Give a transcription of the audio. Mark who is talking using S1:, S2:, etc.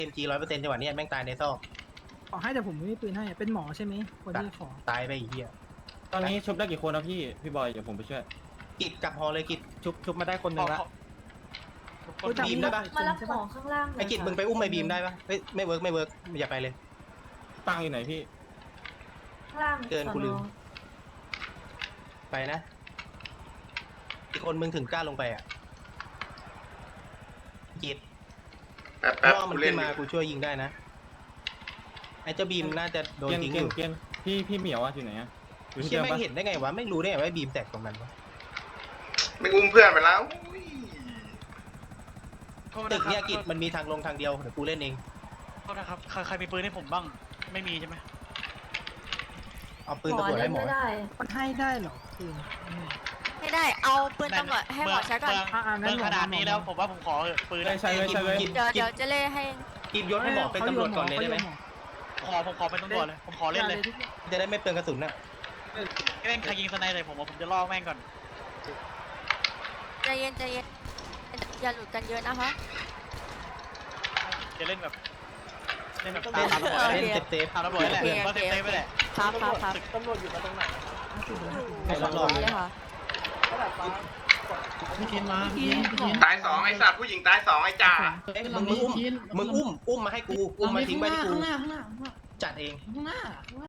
S1: MG 100%จังหวะนี้แม่งตายในซอก
S2: ขอให้แต่ผมไม่มีปืนให้เป็นหมอใช่ไหมคนที่ขอ
S1: ตายไปอีกเหี้ย
S3: ตอนนี้ชุบได้กี่คนนะพี่บอยเดี๋ยวผมไปช่วย
S1: กิดกลับฮอเลยกิด
S4: ชุบมาได้คนหนึ่งละ
S1: บีมได้ปะ
S5: มารับของข้างล่างเลย
S1: ไอ้กิดมึงไปอุ้มไอ้บีมได้ปะเฮ้ยไม่เวิร์กอย่าไปเลย
S3: ตั้งอยู่ไหนพี่
S5: ข้างล่าง
S1: เกินกูลืม ไปนะ อีกคนมึงถึงกล้าลงไปอ่ะกิด
S6: แป๊บ
S1: ล่อมัน
S6: กูเล่
S1: ขึ้
S6: น
S1: นมากูช่วยยิงได้นะไอ้เจ้าบีมน่าจะโดน
S3: เกียน
S1: ทิ้ง
S3: เกี
S1: อย
S3: น
S1: ยู่
S3: เกียนพี่เหมียวอะอยู่ไหนอะอยู่ที่
S1: เชี่ย
S3: เดิม
S1: แม่
S3: ปะ
S1: งเห็นได้ไงวะไม่รู้ได้ไงว่าบีมแตกตรงนั้นวะ
S6: ไม่อุ้มเพื่อนไปแล้วอุ้ย
S1: ตึกเนี่ยกิดมันมีทางลงทางเดียวเดี๋ยวกูเล่นเอง
S7: โทษนะครับใครมีปืนให้ผมบ้างไม่มีใช่ไหม
S1: เอาปืน
S5: หมอ
S1: ตำรวจ
S5: เล่
S1: ให้
S5: น
S1: หมอ
S5: ไม่ได้
S2: มันให้ได้เหรอปืน
S8: ไม่ได้ เอาปืนตำรวจให้หมอใช้ก่อน
S7: เมืองขนาดนี้แล้วผมว่าผมขอปืน
S3: ใช่เลย
S8: เดี๋ยวจะเล่ให้
S1: กิดยศให้หมอเป็นตำรวจก่อนเลยได้ไหม
S7: ผมขอเป็นตำรวจเลยผมขอเล่นเลย
S1: จะได้ไม่เปลืองกระสุนน่ะ
S7: เล่นใครยิงสไนเลยผมจะล่อแม่งก่อน
S8: ใจเย็นอย่าหลุดกันเยอะนะคะ
S7: จะเล่นแบบตาม
S1: เล่น
S7: ตำรวจ
S1: เล่นเซฟ
S7: ตามตำรวจแหละก็เซฟไปแหละ
S8: ครับครับ
S4: ตำรวจอยู่มาตรงไหน
S1: ให้รอบๆ
S8: เลยค่ะ
S4: พี่เคนมาพี่เคน
S6: ตายสองไอ้สัตว์ผู้หญิงตายสองไอ้จ่า
S1: เอ้ยมึงอุ้มมาให้กูอุ้มมาทิ้งไว้ที่กู
S4: ข้างหน้า
S1: จัดเอง
S4: ข้างหน้า